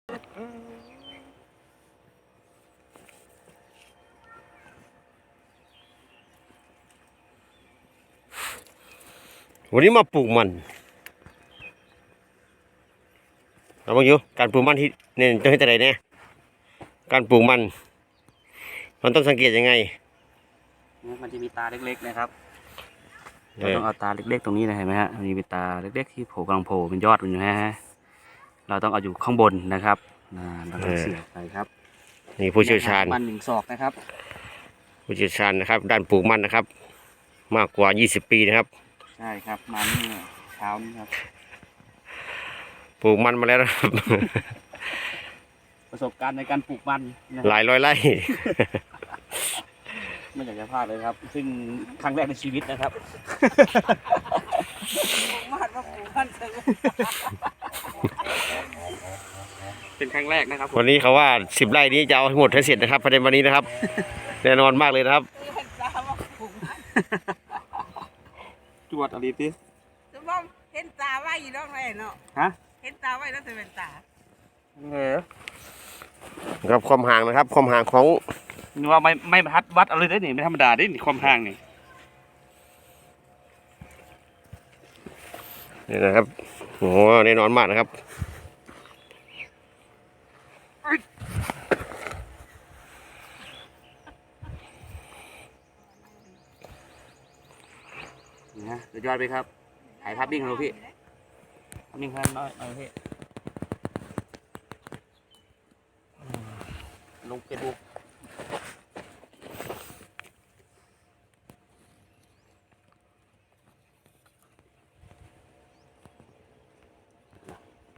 วันนี้มาปลูกมันเราบอกอยู่การปลูกมันที่เนี่ยจะให้แต่ไหนเนี่ยการปลูกมันต้องสังเกตยังไงมันจะมีตาเล็กๆนะครับเราต้องเอาตาเล็กๆตรงนี้นะเห็นไหมฮะมันมีตาเล็กๆที่โผล่กำลังโผล่เป็นยอดมันอยู่ฮะเราต้องเอาอยู่ข้างบนนะครับเราต้องเสียบไปครับนี่ผู้เชี่ยวชาญมัน1 ศอกนะครับผู้เชี่ยวชาญนะครับด้านปลูกมันนะครับมากกว่า20 ปีนะครับใช่ครับมันนี่เช้านี้ครับปลูกมันมาแล้วนะครับประสบการณ์ในการปลูกมันหลายร้อยไร่ไม่อยากจะพลาดเลยครับซึ่งครั้งแรกในชีวิตนะครับเป็นครั้งแรกนะครับวันนี้เขาว่า10 ไร่นี้จะเอาให้หมดให้เสร็จนะครับภายในวันนี้นะครับแน่นอนมากเลยนะครับจวดอะไรดิสมมติเห็นตาไว้อยู่ด้านไหนเนาะฮะเห็นตาไว้แล้วจะเป็นตาครับความห่างนะครับความห่างของนึกว่าไม่วัดอะไรได้นี่ไม่ธรรมดาได้นี่ความห่างนี่นี่นะครับโอ้แน่นอนมากนะครับนะสุดยอดไปครับถ่ายภาพนิ่งของเราพี่ภาพนิ่งครับน้อยพี่ลงเฟซบุ๊ก